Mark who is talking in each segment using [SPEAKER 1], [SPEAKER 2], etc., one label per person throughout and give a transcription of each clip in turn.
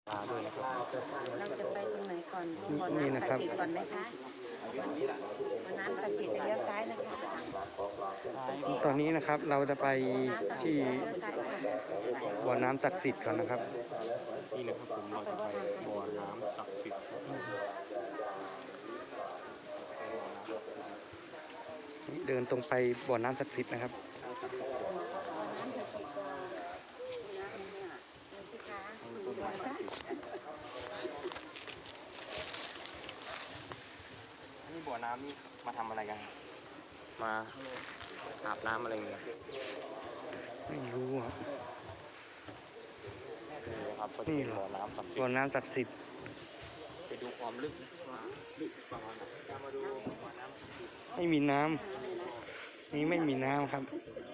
[SPEAKER 1] ด้วยนะครับ
[SPEAKER 2] เราจะไปตรงไหนก่อนบ่อ
[SPEAKER 1] นี่
[SPEAKER 2] น้ำ
[SPEAKER 1] นะค
[SPEAKER 2] ศั
[SPEAKER 1] รั
[SPEAKER 2] ก
[SPEAKER 1] บ
[SPEAKER 2] ดิ์สิทธิ์ก่อนไหมคะบ่อน้ำศักดิ์สิทธิ์เลี้ยวซ้ายนะคะ
[SPEAKER 1] ตอนนี้นะครับเราจะไปที่บ่อน้ำศักดิ์สิทธิ์ก่อนนะครับนี่นะครับผมเราจะไปบ่อน้ำศักดิ์สิทธิ์เดินตรงไปบ่อน้ำศักดิ์สิทธิ์นะครับนี่บ่อน้ำนี่มาทำอะไรกันมาอาบน้ำอะไรเงี้ยไม่รู้อ่ะนี่ครับนี่บ่อน้ำศักดิ์สิทธิ์บ่อน้ำศักดิ์สิทธิ์ไปดูความลึกว่าลึกประมาณไหนมาดูบ่อน้ำไม่มีน้ำนี่ไม่มีน้ำครับ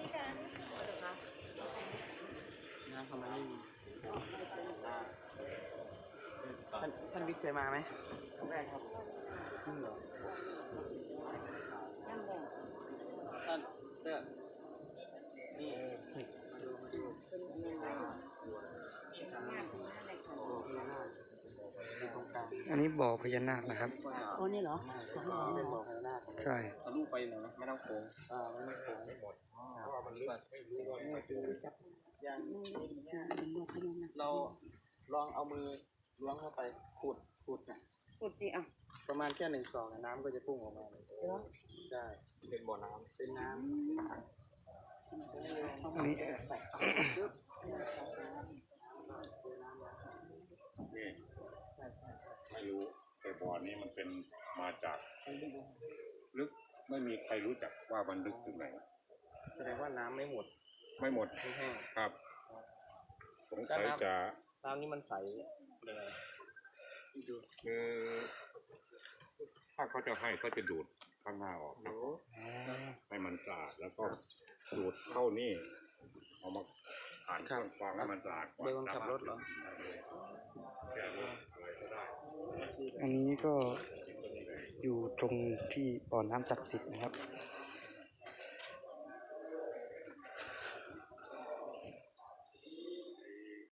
[SPEAKER 1] น้ำทำไมไม่มีท่านบิ๊กเคยมาไหมครั้งแรกครับจริงเหรอท่านเสื้อนี่มาดูอันนี้บ่อพญานาคนะครับ
[SPEAKER 2] โอ้นี่เหรอ
[SPEAKER 1] เป็นบ่อพญานาคใช่ทะลุไปหน่อยนะไม่ต้องโค้งไม่ต้องโค้งหมดเพราะว่ามันลึกอย่างเราลองเอามือล้วงเข้าไปขุดนะ
[SPEAKER 2] ขุดสิอ่ะ
[SPEAKER 1] ประมาณแค่1 ศอกน้ำก็จะพุ่งออกมาเลยใช่เป็นบ่อน้ำเป็นน้ำนี่
[SPEAKER 3] นี่ไม่รู้แต่บ่อนี้มันเป็นมาจากลึกไม่มีใครรู้จักว่ามันลึกถึงไหน
[SPEAKER 1] แสดงว่าน้ำไม่หมด
[SPEAKER 3] ไม่หมดครับสงสัยจะ
[SPEAKER 1] น้ำนี้มันใสเลย
[SPEAKER 3] คือถ้าเขาจะให้เขาจะดูดข้างหน้าออกครับให้มันสะอาดแล้วก็ดูดเข้านี่เอามาผ่านเครื่องฟองให้มันสะอาด
[SPEAKER 1] เดินขับรถเหรอ
[SPEAKER 3] อะไรก็ได้
[SPEAKER 1] อันนี้ก็อยู่ตรงที่บ่อน้ำศักดิ์สิทธิ์นะครับ